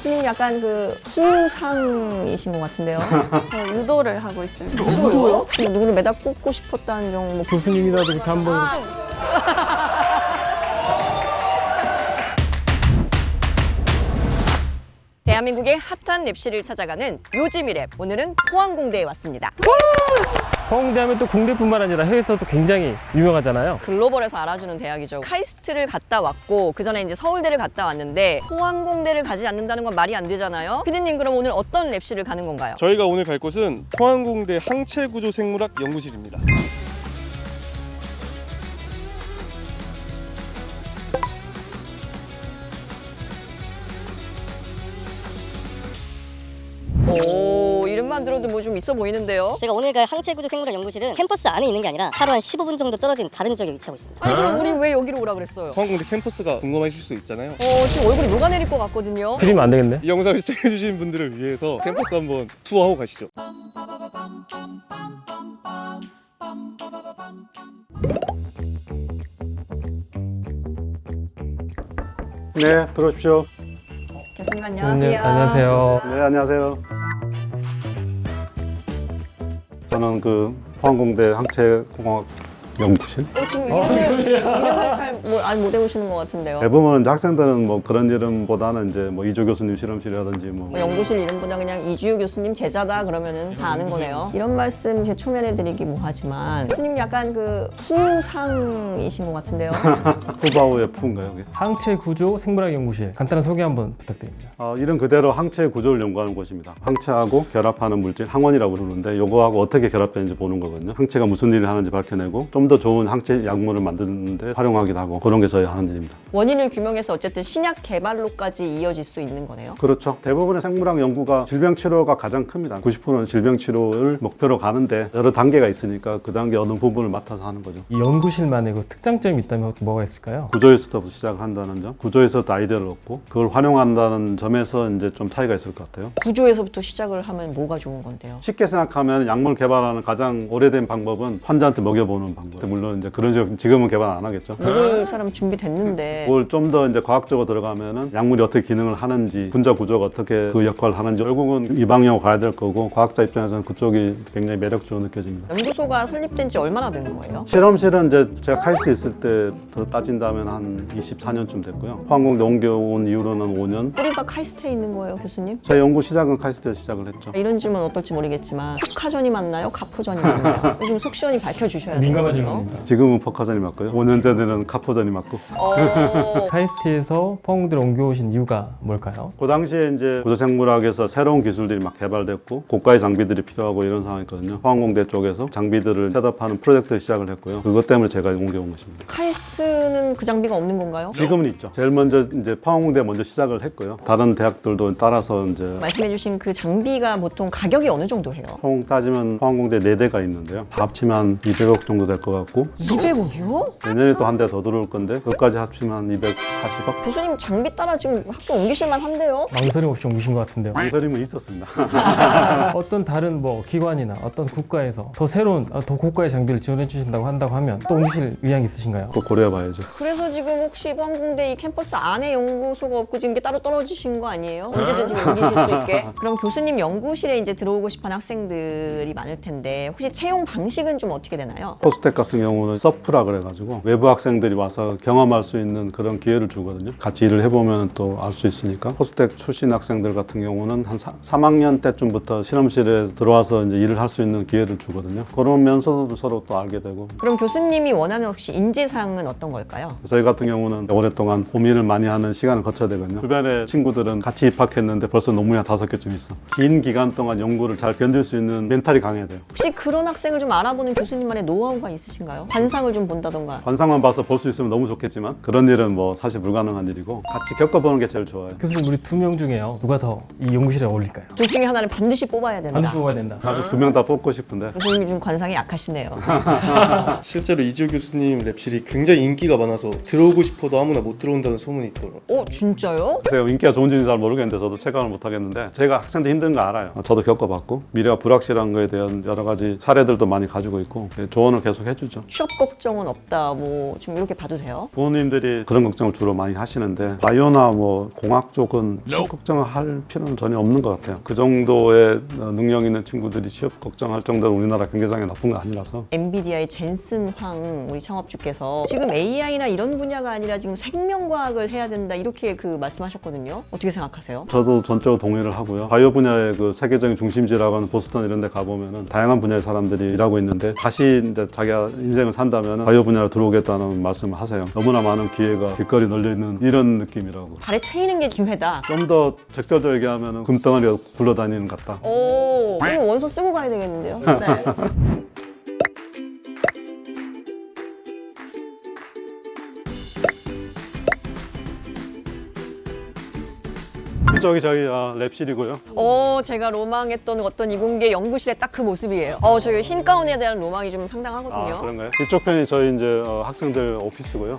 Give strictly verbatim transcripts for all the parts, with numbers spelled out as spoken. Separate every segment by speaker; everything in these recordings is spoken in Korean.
Speaker 1: 교수님 약간 그 후상이신 것 같은데요.
Speaker 2: 저 유도를 하고 있습니다.
Speaker 1: 누구요? 혹시 뭐 누구를 매다 꽂고 싶었다는 점 뭐
Speaker 3: 교수님이라도 이렇게 한번
Speaker 1: 대한민국의 핫한 랩실을 찾아가는 요즘이 랩. 오늘은 포항공대에 왔습니다.
Speaker 3: 포항대하면 또 국내뿐만 아니라 해외에서도 굉장히 유명하잖아요.
Speaker 1: 글로벌에서 알아주는 대학이죠. 카이스트를 갔다 왔고 그 전에 이제 서울대를 갔다 왔는데 포항공대를 가지 않는다는 건 말이 안 되잖아요. 피디님 그럼 오늘 어떤 랩실을 가는 건가요?
Speaker 4: 저희가 오늘 갈 곳은 포항공대 항체구조생물학 연구실입니다.
Speaker 1: 오, 이름만 들어도 뭐 좀 있어 보이는데요.
Speaker 5: 제가 오늘 갈 항체구조생물학 연구실은 캠퍼스 안에 있는 게 아니라 차로 한 십오 분 정도 떨어진 다른 지역에 위치하고 있습니다.
Speaker 1: 아니 그럼 우리 왜 여기로 오라 그랬어요?
Speaker 4: 포항공대 캠퍼스가 궁금하실 수 있잖아요.
Speaker 1: 어, 지금 얼굴이 녹아내릴 것 같거든요.
Speaker 3: 그리면 안 되겠네.
Speaker 4: 이 영상을 시청해주신 분들을 위해서 캠퍼스 한번 투어하고 가시죠.
Speaker 6: 네, 들어오십시오.
Speaker 1: 교수님
Speaker 3: 네,
Speaker 1: 안녕하세요.
Speaker 3: 안녕하세요.
Speaker 6: 네, 안녕하세요. 저는 그 포항공대 항체공학 연구실.
Speaker 1: 어, 지금 이름을, 이름을 잘못 외우시는 것 같은데요.
Speaker 6: 대부분 학생들은 뭐 그런 이름보다는 이제 뭐 이조 교수님 실험실이라든지 뭐
Speaker 1: 뭐 연구실 이름보다 그냥 이주효 교수님 제자다 그러면은 다 아는 거네요. 이런 말씀 제 초면에 드리기 뭐하지만 교수님 약간 그 후상이신 것 같은데요.
Speaker 6: 후바오의 푸인가요? 그게?
Speaker 3: 항체 구조 생물학 연구실 간단한 소개 한번 부탁드립니다.
Speaker 6: 어, 이름 그대로 항체 구조를 연구하는 곳입니다. 항체하고 결합하는 물질 항원이라고 부르는데 요거하고 어떻게 결합되는지 보는 거거든요. 항체가 무슨 일을 하는지 밝혀내고 좀 더 좋은 항체 약물을 만드는데 활용하기도 하고 그런 게 저희 하는 일입니다.
Speaker 1: 원인을 규명해서 어쨌든 신약 개발로까지 이어질 수 있는 거네요.
Speaker 6: 그렇죠. 대부분의 생물학 연구가 질병 치료가 가장 큽니다. 구십 퍼센트는 질병 치료를 목표로 가는데 여러 단계가 있으니까 그 단계 어느 부분을 맡아서 하는 거죠.
Speaker 3: 이 연구실만의 그 특장점이 있다면 뭐가 있을까요?
Speaker 6: 구조에서부터 시작한다는 점, 구조에서 아이디어를 얻고 그걸 활용한다는 점에서 이제 좀 차이가 있을 것 같아요.
Speaker 1: 구조에서부터 시작을 하면 뭐가 좋은 건데요?
Speaker 6: 쉽게 생각하면 약물 개발하는 가장 오래된 방법은 환자한테 먹여보는 방법. 물론 이제 그런 식 지금은 개발 안 하겠죠.
Speaker 1: 먹을 사람 준비됐는데
Speaker 6: 그걸 좀 더 이제 과학적으로 들어가면은 약물이 어떻게 기능을 하는지, 분자 구조가 어떻게 그 역할을 하는지 결국은 이 방향으로 가야 될 거고 과학자 입장에서는 그쪽이 굉장히 매력적으로 느껴집니다.
Speaker 1: 연구소가 설립된 지 얼마나 된 거예요?
Speaker 6: 실험실은 이제 제가 카이스트 있을 때부터 따진다면 한 이십사 년쯤 됐고요. 포항공대 옮겨온 이후로는 오 년.
Speaker 1: 뿌리가 카이스트에 있는 거예요, 교수님?
Speaker 6: 제 연구 시작은 카이스트에서 시작을 했죠.
Speaker 1: 이런 질문 어떨지 모르겠지만 포카전이 맞나요? 가포전이 맞나요? 요즘 속 시원히 밝혀주셔야 돼요.
Speaker 3: 민감한 질문입니다.
Speaker 6: 지금은 포카전이 맞고요. 오 년 전에는 카포전이 맞고.
Speaker 1: 어...
Speaker 3: 카이스트에서 포항대로 옮겨오신 이유가 뭘까요?
Speaker 6: 그 당시에 이제 구조생물학에서 새로운 기술들이 막 개발됐고 고가의 장비들이 필요하고 이런 상황이었거든요. 포항공대 쪽에서 장비들을 셋업하는 프로젝트를 시작을 했고요. 그것 때문에 제가 옮겨온 것입니다.
Speaker 1: 카이스트는 그 장비가 없는 건가요?
Speaker 6: 지금은 있죠. 제일 먼저 이제 포항공대 먼저 시작을 했고요. 다른 대학들도 따라서 이제
Speaker 1: 말씀해주신 그 장비가 보통 가격이 어느 정도 해요?
Speaker 6: 총 따지면 포항공대 네 대가 있는데요. 다 합치면 한 이백억 정도 될 것 같고
Speaker 1: 이백억이요?
Speaker 6: 내년에 또 한 대 더 들어올 건데 그것까지 합치면 한 이백사십억?
Speaker 1: 교수님 장비 따라 지금 학교 옮기실만 한데요?
Speaker 3: 망설임 없이 옮기신 것 같은데요.
Speaker 6: 망설임은 있었습니다.
Speaker 3: 어떤 다른 뭐 기관이나 어떤 국가에서 더 새로운 아, 더 고가의 장비를 지원해 주신다고 한다고 하면 또 옮기실 의향이 있으신가요?
Speaker 6: 꼭 고려해봐야죠.
Speaker 1: 그래서 지금 혹시 포항공대 이 캠퍼스 안에 연구소가 없고 지금 이게 따로 떨어지신 거 아니에요? 언제든지 옮기실 수 있게? 그럼 교수님 연구실에 이제 들어오고 싶어하는 학생들이 많을 텐데 혹시 채용 방식은 좀 어떻게 되나요?
Speaker 6: 포스텍 같은 경우는 서프라 그래가지고 외부 학생들이 와서 경험할 수 있는 그런 기회를 주거든요. 같이 일을 해보면 또 알 수 있으니까. 포스텍 출신 학생들 같은 경우는 한 삼 학년 때쯤부터 실험실에 들어와서 이제 일을 할 수 있는 기회를 주거든요. 그러면서도 서로 또 알게 되고.
Speaker 1: 그럼 교수님이 원하는 혹시 인재상은 어떤 걸까요?
Speaker 6: 저희 같은 경우는 오랫동안 고민을 많이 하는 시간을 거쳐야 되거든요. 주변에 친구들은 같이 입학했는데 벌써 논문이 한 다섯 개쯤 있어. 긴 기간 동안 연구를 잘 견딜 수 있는 멘탈이 강해야 돼요.
Speaker 1: 혹시 그런 학생을 좀 알아보는 교수님만의 노하우가 있으신가요? 관상을 좀 본다던가.
Speaker 6: 관상만 봐서 볼 수 있으면 너무 좋겠지만 그런 일은 뭐 사실 불가능한 일이고 같이 겪어보는 게 제일 좋아요.
Speaker 3: 교수님 우리 두 명 중에요. 누가 더 이 연구실에 어울릴까요?
Speaker 1: 둘 중에 하나를 반드시 뽑아야 된다.
Speaker 3: 반드시 뽑아야 된다.
Speaker 6: 나도 두 명 다 뽑고 싶은데
Speaker 1: 교수님이 좀 관상이 약하시네요.
Speaker 4: 실제로 이지호 교수님 랩실이 굉장히 인기가 많아서 들어오고 싶어도 아무나 못 들어온다는 소문이 있더라고요.
Speaker 1: 어 진짜요?
Speaker 6: 제가 인기가 좋은지는 잘 모르겠는데 저도 체감을 못 하겠는데 제가 학생들 힘든 거 알아요. 저도 겪어봤고 미래가 불확실한 거에 대한 여러 가지 사례들도 많이 가지고 있고 조언을 계속 해주고 해주죠.
Speaker 1: 취업 걱정은 없다. 뭐 좀 이렇게 봐도 돼요?
Speaker 6: 부모님들이 그런 걱정을 주로 많이 하시는데 바이오나 뭐 공학 쪽은 취업 걱정을 할 필요는 전혀 없는 것 같아요. 그 정도의 능력 있는 친구들이 취업 걱정할 정도로 우리나라 경제장이 나쁜 거 아니라서.
Speaker 1: 엔비디아의 젠슨 황 우리 창업주께서 지금 에이아이나 이런 분야가 아니라 지금 생명과학을 해야 된다 이렇게 그 말씀하셨거든요. 어떻게 생각하세요?
Speaker 6: 저도 전적으로 동의를 하고요. 바이오 분야의 그 세계적인 중심지라고 하는 보스턴 이런 데 가보면은 다양한 분야의 사람들이 일하고 있는데 다시 이제 자기가 인생을 산다면 바이오 분야로 들어오겠다는 말씀을 하세요. 너무나 많은 기회가 길거리 널려있는 이런 느낌이라고.
Speaker 1: 발에 채이는 게 기회다.
Speaker 6: 좀 더 적절하게 얘기하면 금덩어리가 굴러다니는 것 같다.
Speaker 1: 오, 그럼 원서 쓰고 가야 되겠는데요? 네.
Speaker 6: 저기 저기 아, 랩실이고요.
Speaker 1: 어, 제가 로망했던 어떤 이공계 연구실의 딱 그 모습이에요. 어, 저희 흰 가운에 대한 로망이 좀 상당하거든요.
Speaker 6: 아, 그런가요? 이쪽 편이 저희 이제 어, 학생들 오피스고요.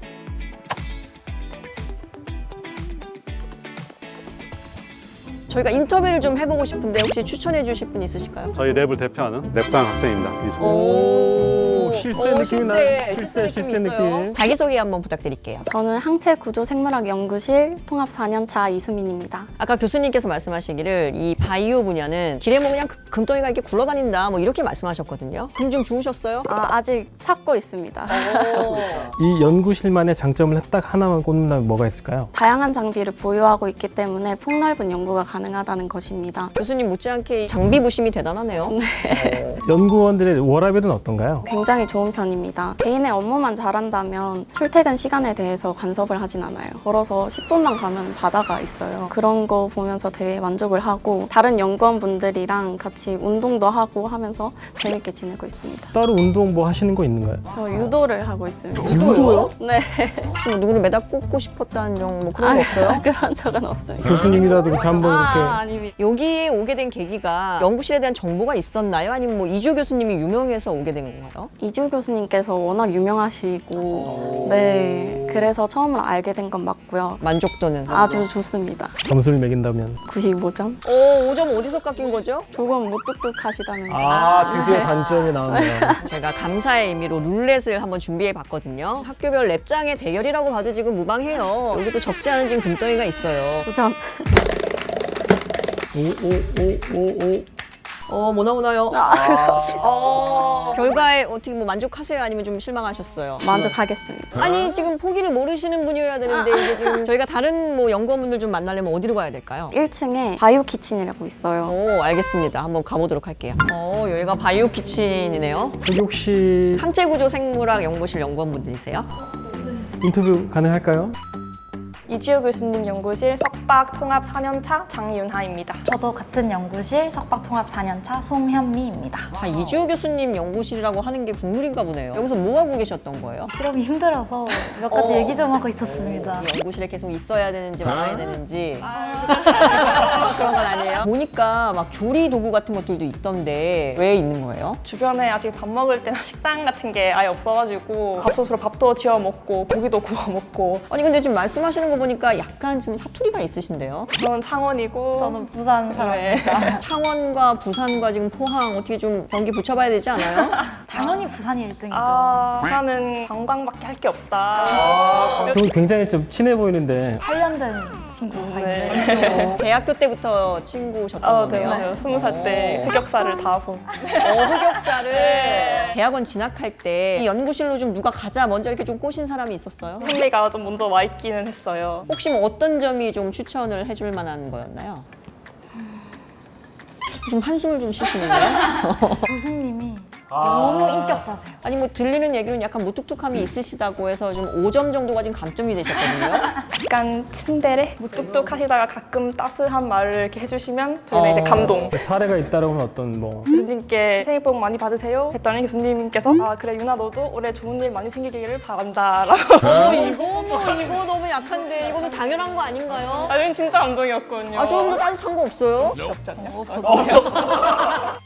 Speaker 1: 저희가 인터뷰를 좀 해보고 싶은데 혹시 추천해 주실 분 있으실까요?
Speaker 6: 저희 랩을 대표하는 랩장 학생입니다. 이승훈.
Speaker 1: 오,
Speaker 3: 실세
Speaker 1: 오,
Speaker 3: 느낌이 나.
Speaker 1: 실세,
Speaker 3: 실세,
Speaker 1: 실세 느낌
Speaker 3: 실세
Speaker 1: 있어요.
Speaker 3: 느낌.
Speaker 1: 자기소개 한번 부탁드릴게요.
Speaker 2: 저는 항체구조생물학연구실 통합 사 년차 이수민입니다.
Speaker 1: 아까 교수님께서 말씀하시기를 이 바이오 분야는 길에 뭐 그냥 금- 금덩이가 이렇게 굴러다닌다 뭐 이렇게 말씀하셨거든요. 금 좀 주우셨어요?
Speaker 2: 아, 아직 찾고 있습니다.
Speaker 3: 이 연구실만의 장점을 딱 하나만 꼽는다면 뭐가 있을까요?
Speaker 2: 다양한 장비를 보유하고 있기 때문에 폭넓은 연구가 가능하다는 것입니다.
Speaker 1: 교수님 못지않게 장비 부심이 대단하네요.
Speaker 3: 연구원들의 워라밸은 어떤가요?
Speaker 2: 굉장히 좋은 편입니다. 개인의 업무만 잘한다면 출퇴근 시간에 대해서 간섭을 하진 않아요. 걸어서 십 분만 가면 바다가 있어요. 그런 거 보면서 되게 만족을 하고 다른 연구원분들이랑 같이 운동도 하고 하면서 재밌게 지내고 있습니다.
Speaker 3: 따로 운동 뭐 하시는 거 있는가요?
Speaker 2: 저 유도를 하고 있습니다.
Speaker 1: 유도요?
Speaker 2: 네.
Speaker 1: 혹시 뭐 누구를 매다 꽂고 싶었다는 정 뭐 그런 거 없어요?
Speaker 2: 그런 적은 없습니다.
Speaker 3: 교수님이라도 이렇게 한번
Speaker 2: 아,
Speaker 3: 이렇게
Speaker 2: 아닙니다.
Speaker 1: 여기에 오게 된 계기가 연구실에 대한 정보가 있었나요? 아니면 뭐 이주 교수님이 유명해서 오게 된 건가요?
Speaker 2: 이주 교수님께서 워낙 유명하시고 네 그래서 처음으로 알게 된 건 맞고요.
Speaker 1: 만족도는?
Speaker 2: 아주 좋습니다.
Speaker 3: 점수를 매긴다면
Speaker 2: 구십오 점.
Speaker 1: 오, 오 점 어디서 깎인 거죠?
Speaker 2: 조금 무뚝뚝하시다는 점.
Speaker 3: 아 드디어 단점이 나오네요.
Speaker 1: 저희가 감사의 의미로 룰렛을 한번 준비해 봤거든요. 학교별 랩장의 대결이라고 봐도 지금 무방해요. 여기도 적지 않은 지금 금덩이가 있어요.
Speaker 2: 도전.
Speaker 3: 오오오오오
Speaker 1: 어, 뭐나 오나요? 어, 결과에 어떻게 뭐 만족하세요? 아니면 좀 실망하셨어요?
Speaker 2: 만족하겠습니다.
Speaker 1: 아니, 지금 포기를 모르시는 분이어야 되는데 이게 지금 저희가 다른 뭐 연구원분들 좀 만나려면 어디로 가야 될까요?
Speaker 2: 일 층에 바이오 키친이라고 있어요.
Speaker 1: 오, 알겠습니다. 한번 가보도록 할게요. 어, 여기가 바이오 키친이네요.
Speaker 3: 여기 혹시
Speaker 1: 항체구조 생물학 연구실 연구원분들이세요?
Speaker 3: 인터뷰 가능할까요?
Speaker 7: 이지호 교수님 연구실 석박 통합 사 년차 장윤하입니다.
Speaker 8: 저도 같은 연구실 석박통합 사 년차 송현미입니다.
Speaker 1: 다 이주호 교수님 연구실이라고 하는 게 국룰인가 보네요. 여기서 뭐 하고 계셨던 거예요?
Speaker 8: 실험이 힘들어서 몇 가지
Speaker 1: 어.
Speaker 8: 얘기 좀 하고 있었습니다.
Speaker 1: 이 연구실에 계속 있어야 되는지 말아야 되는지 그런 건 아니에요? 보니까 막 조리 도구 같은 것들도 있던데 왜 있는 거예요?
Speaker 7: 주변에 아직 밥 먹을 때나 식당 같은 게 아예 없어가지고 밥솥으로 밥도 지어 먹고 고기도 구워 먹고.
Speaker 1: 아니 근데 지금 말씀하시는 거 보니까 약간 지금 사투리가 있으신데요?
Speaker 7: 저는 창원이고
Speaker 8: 저는 부산 사람입니다.
Speaker 1: 창원과 부산과 지금 포항 어떻게 좀 경기 붙여봐야 되지 않아요?
Speaker 8: 당연히 부산이 일 등이죠.
Speaker 7: 아, 부산은 관광밖에 할 게 없다.
Speaker 3: 두 분 굉장히 좀 친해 보이는데
Speaker 8: 팔 년 된 친구 사이인데
Speaker 7: 네.
Speaker 1: 대학교 때부터 친구셨던
Speaker 7: 어,
Speaker 1: 거네요?
Speaker 7: 네, 스무 살 때
Speaker 1: 오.
Speaker 7: 흑역사를 다 본.
Speaker 1: 어, 흑역사를 대학원 진학할 때 이 연구실로 좀 누가 가자 먼저 이렇게 좀 꼬신 사람이 있었어요?
Speaker 7: 현미가 좀 먼저 와 있기는 했어요.
Speaker 1: 혹시 뭐 어떤 점이 좀 추천을 해줄 만한 거였나요? 좀 한숨을 좀 쉬시는데요?
Speaker 8: 교수님이 너무 인격자세요.
Speaker 1: 아니 뭐 들리는 얘기는 약간 무뚝뚝함이 있으시다고 해서 좀 오 점 정도가 지금 감점이 되셨거든요.
Speaker 7: 약간 츤데레? 무뚝뚝하시다가 가끔 따스한 말을 이렇게 해주시면 저희는
Speaker 1: 어.
Speaker 7: 이제 감동.
Speaker 3: 사례가 있다라고 하면 어떤 뭐
Speaker 7: 교수님께 새해 복 많이 받으세요 했더니 교수님께서 아 그래 유나 너도 올해 좋은 일 많이 생기기를 바란다 라고.
Speaker 1: 어, 이거 뭐 이거 너무 약한데 이거는 당연한 거 아닌가요?
Speaker 7: 아, 진짜 감동이었거든요.
Speaker 1: 아 조금 더 따뜻한 거 없어요?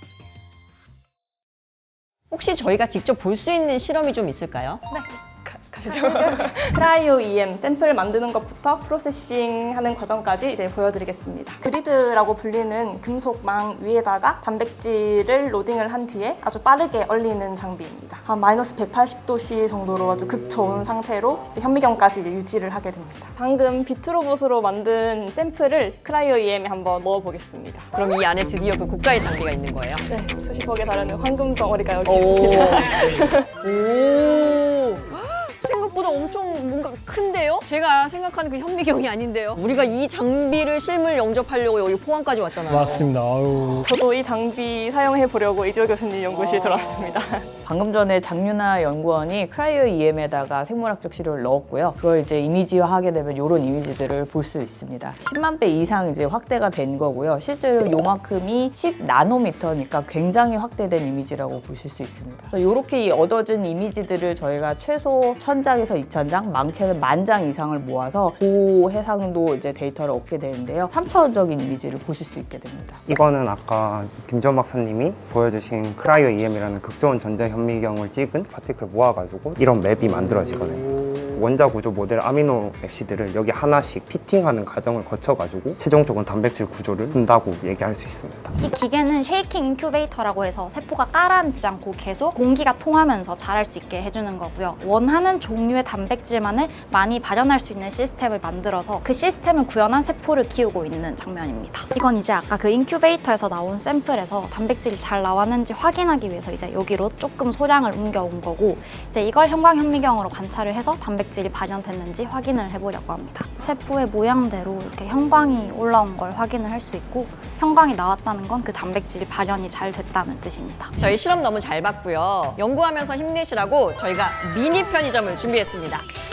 Speaker 1: 혹시 저희가 직접 볼 수 있는 실험이 좀 있을까요?
Speaker 7: 네, 가, 아시죠? 크라이오 이엠 샘플 만드는 것부터 프로세싱 하는 과정까지 이제 보여드리겠습니다. 그리드라고 불리는 금속망 위에다가 단백질을 로딩을 한 뒤에 아주 빠르게 얼리는 장비입니다. 한 마이너스 백팔십 도씨 정도로 아주 극저온 상태로 이제 현미경까지 이제 유지를 하게 됩니다. 방금 비트로봇으로 만든 샘플을 크라이오 이엠에 한번 넣어보겠습니다.
Speaker 1: 그럼 이 안에 드디어 그 고가의 장비가 있는 거예요?
Speaker 7: 네, 수십억에 달하는 황금 덩어리가 여기
Speaker 1: 오.
Speaker 7: 있습니다.
Speaker 1: 오. 생각보다 엄청 뭔가 큰데요? 제가 생각하는 그 현미경이 아닌데요? 우리가 이 장비를 실물 영접하려고 여기 포항까지 왔잖아요.
Speaker 3: 맞습니다. 아유.
Speaker 7: 저도 이 장비 사용해 보려고 이지호 교수님 연구실 들어왔습니다.
Speaker 9: 방금 전에 장윤아 연구원이 크라이오 이엠에다가 생물학적 시료를 넣었고요. 그걸 이제 이미지화하게 되면 이런 이미지들을 볼 수 있습니다. 십만 배 이상 이제 확대가 된 거고요. 실제로 요만큼이 십 나노미터니까 굉장히 확대된 이미지라고 보실 수 있습니다. 이렇게 얻어진 이미지들을 저희가 최소 천 장에서 이천 장, 많게는 만 장 이상을 모아서 고해상도 이제 데이터를 얻게 되는데요. 삼 차원적인 이미지를 보실 수 있게 됩니다.
Speaker 10: 이거는 아까 김전 박사님이 보여주신 크라이오 이엠이라는 극저온 전자 현미경을 찍은 파티클을 모아가지고 이런 맵이 만들어지거든요. 원자 구조 모델 아미노 액시드를 여기 하나씩 피팅하는 과정을 거쳐가지고 최종적인 단백질 구조를 푼다고 얘기할 수 있습니다.
Speaker 8: 이 기계는 쉐이킹 인큐베이터라고 해서 세포가 가라앉지 않고 계속 공기가 통하면서 자랄 수 있게 해주는 거고요. 원하는 종류의 단백질만을 많이 발현할 수 있는 시스템을 만들어서 그 시스템을 구현한 세포를 키우고 있는 장면입니다. 이건 이제 아까 그 인큐베이터에서 나온 샘플에서 단백질이 잘 나왔는지 확인하기 위해서 이제 여기로 조금 소량을 옮겨온 거고, 이제 이걸 형광 현미경으로 관찰을 해서 단백질이 발현됐는지 확인을 해보려고 합니다. 세포의 모양대로 이렇게 형광이 올라온 걸 확인을 할 수 있고, 형광이 나왔다는 건 그 단백질이 발현이 잘 됐다는 뜻입니다.
Speaker 1: 저희 실험 너무 잘 봤고요. 연구하면서 힘내시라고 저희가 미니 편의점을 준비했습니다.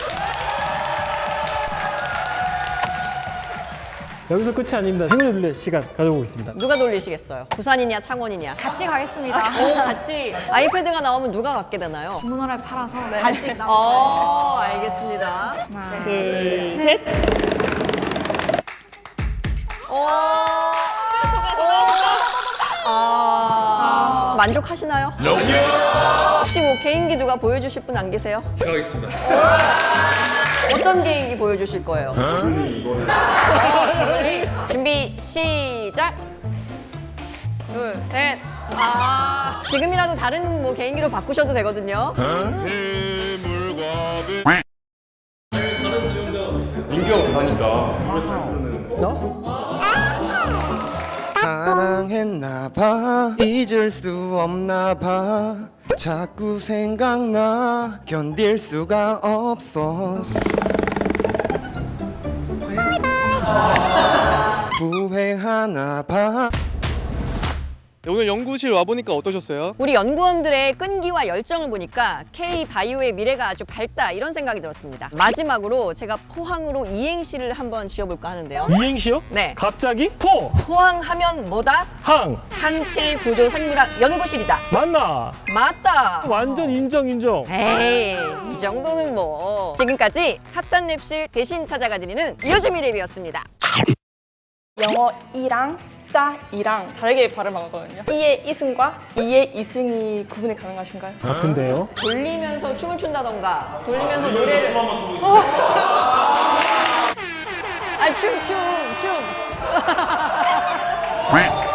Speaker 3: 여기서 끝이 아닙니다. 행운의 둘레 시간 가져보고 있습니다.
Speaker 1: 누가 돌리시겠어요? 부산이냐 창원이냐?
Speaker 8: 같이 가겠습니다.
Speaker 1: 오, 같이 아이패드가 나오면 누가 갖게 되나요?
Speaker 8: 주문을 팔아서 간식 나오고.
Speaker 1: 어, 알겠습니다.
Speaker 7: 하나, 둘, 셋.
Speaker 1: 오, 오, 아, 만족하시나요? 혹시 뭐 개인기 누가 보여주실 분 안 계세요?
Speaker 11: 제가 하겠습니다.
Speaker 1: 어떤 개인기 보여주실 거예요? 어, 저걸리. 준비 시작. 둘, 셋. 아, 지금이라도 다른 뭐 개인기로 바꾸셔도 되거든요.
Speaker 11: 민규 형 잘하니까.
Speaker 12: 사랑했나봐, 잊을 수 없나봐, 자꾸 생각나, 견딜 수가 없어. 후회하나봐.
Speaker 4: 오늘 연구실 와보니까 어떠셨어요?
Speaker 1: 우리 연구원들의 끈기와 열정을 보니까 K-바이오의 미래가 아주 밝다 이런 생각이 들었습니다. 마지막으로 제가 포항으로 이행시를 한번 지어볼까 하는데요.
Speaker 3: 이행시요?
Speaker 1: 네.
Speaker 3: 갑자기 포!
Speaker 1: 포항하면 뭐다?
Speaker 3: 항!
Speaker 1: 항체 구조 생물학 연구실이다.
Speaker 3: 맞나?
Speaker 1: 맞다.
Speaker 3: 완전 인정 인정.
Speaker 1: 에이, 이 정도는 뭐. 지금까지 핫한 랩실 대신 찾아가 드리는 요즘이 랩이었습니다.
Speaker 7: 영어 이랑 숫자 이랑 다르게 발음하거든요. 이의 이승과 이의 이승이 구분이 가능하신가요?
Speaker 3: 같은데요?
Speaker 1: 돌리면서 춤을 춘다던가 돌리면서 노래를 아 춤 춤 춤